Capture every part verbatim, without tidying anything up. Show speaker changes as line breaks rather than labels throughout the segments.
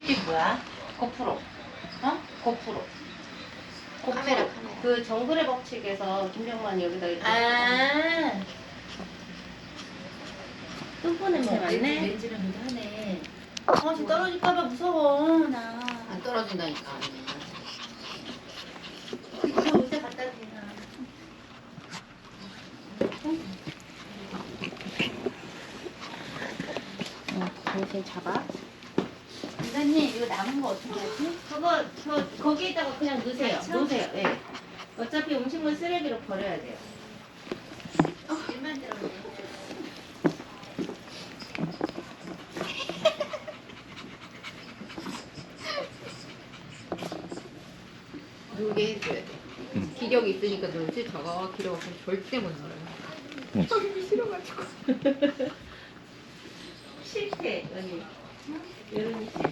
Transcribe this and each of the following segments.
이게 뭐야? 고프로. 어? 고프로. 고프로.
카메라, 카메라.
그 정글의 법칙에서 김병만이 여기다 이렇게.
아.
똥꼬 냄새
어머, 렌즈,
맡네.
렌즈랑 도 하네.
어, 쟤 떨어질까봐 무서워. 나.
안 떨어진다니까.
저 의자 갖다 대나. 어, 당신 잡아. 이사님, 이거 남은 거 어떻게 하지? 그거, 저, 거기에다가 그냥 넣으세요.
그쵸?
넣으세요. 예. 어차피 음식물 쓰레기로 버려야 돼요.
어, 일만 들어오네. 놀게 해줘야 돼. 기력이 있으니까 놀지. 저거 기력 없으면 절대 못 놀아요. 저기 싫어가지고.
싫대, 언니. 여름이 싫대.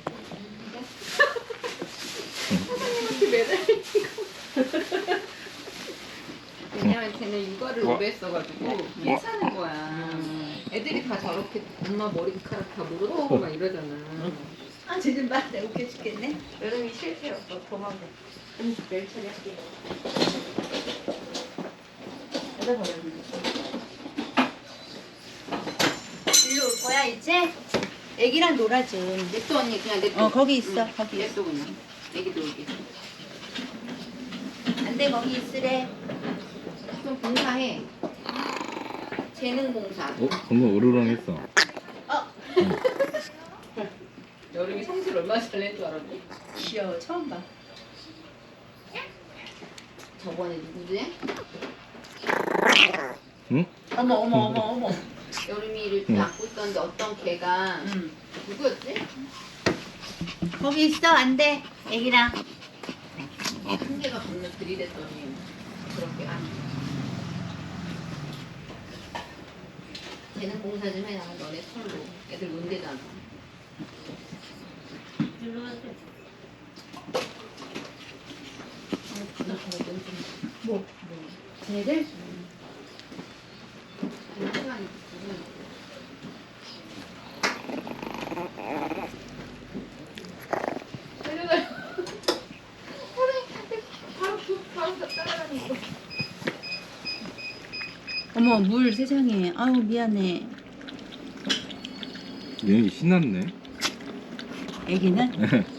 사장님한테 매달리고. 왜냐면 쟤는 육아를
와.
오래 했어가지고 괜찮은 거야. 애들이 다 저렇게 엄마 머리카락 다 물어뜯고 막 이러잖아.
아, 쟤좀 봐. 내가 웃겨 죽겠네.
여름이 싫대요. 너 도망가. 응, 내일 처리할게요. 여기다 버려.
일로 올 거야, 이제? 애기랑 놀아줘.
냅둬 언니 그냥 냅둬.
어, 거기 있어,
응,
거기
냅둬 그냥. 애기 놀게.
안 돼, 거기 있으래.
좀 봉사해. 재능 봉사.
어? 방금 으르렁했어.
어,
여름이 성질 얼마나 잘 낸 줄 알았니?
귀여워. 처음 봐.
저번에 누구지?
응?
어머, 어머, 어머, 어머.
여름이를
응.
안고 있었는데 어떤 개가
응.
누구였지?
거기 있어, 안 돼. 애기랑.
한 개가 겁나 들이댔더니 그렇게 안. 재능 봉사 좀 해라. 너네 손으로 애들 논대잖아.
일로 와서.
뭐? 쟤네들? 그 시간이 무슨 살려달라. 사장님한테 바로 그 바로 따라다니고.
어머, 물 세상에. 아유, 미안해.
얘 신났네.
애기는?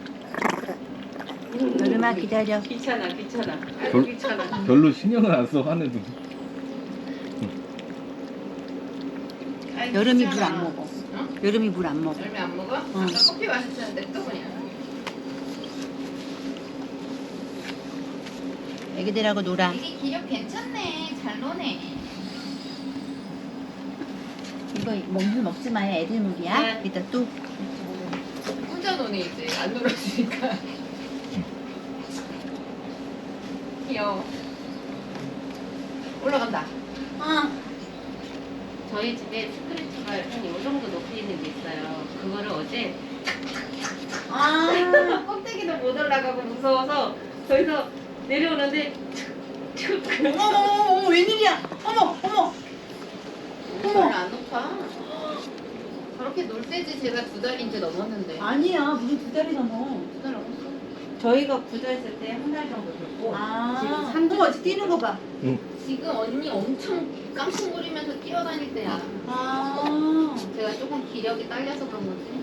여름아, 기다려.
귀찮아, 귀찮아. 아이고,
별,
귀찮아.
별로 신경을 안 써, 화내도.
아이고,
여름이 물
귀찮아.
안 먹어.
어?
여름이 물 안 먹어.
열매 안 먹어? 아까 커피 마셨는데 또 그냥.
애기들하고 놀아.
이게 기력 괜찮네. 잘 노네.
이거 먹물 먹지 마요. 애들 물이야.
네.
이따 또.
혼자 노네 이제 안 놀아주니까. 귀여워. 올라간다.
어.
저희 집에 스크래치가 한 요 정도 높이 있는 게 있어요. 그거를 어제
아.
껍데기도 못 올라가고 무서워서 저기서 내려오는데 툭, 툭.
어머, 어머, 어머, 어머, 웬일이야. 어머, 어머.
별로 안 높아. 저렇게 놀 때지 제가 두 달이 이제 넘었는데.
아니야. 무슨 두 달이 넘어.
두 달 넘었어.
저희가 구조했을 때 한 달 정도 됐고
아.
지금 삼 주
어머, 뛰는 거 봐.
지금 언니 엄청 깡충거리면서 뛰어다닐 때야.
아.
제가 조금 기력이 딸려서 그런 거지.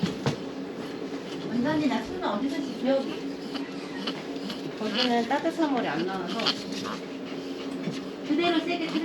원장님, 나 술은 어디서 지켜?
거기는 따뜻한 물이 안 나와서
그대로 세게 탁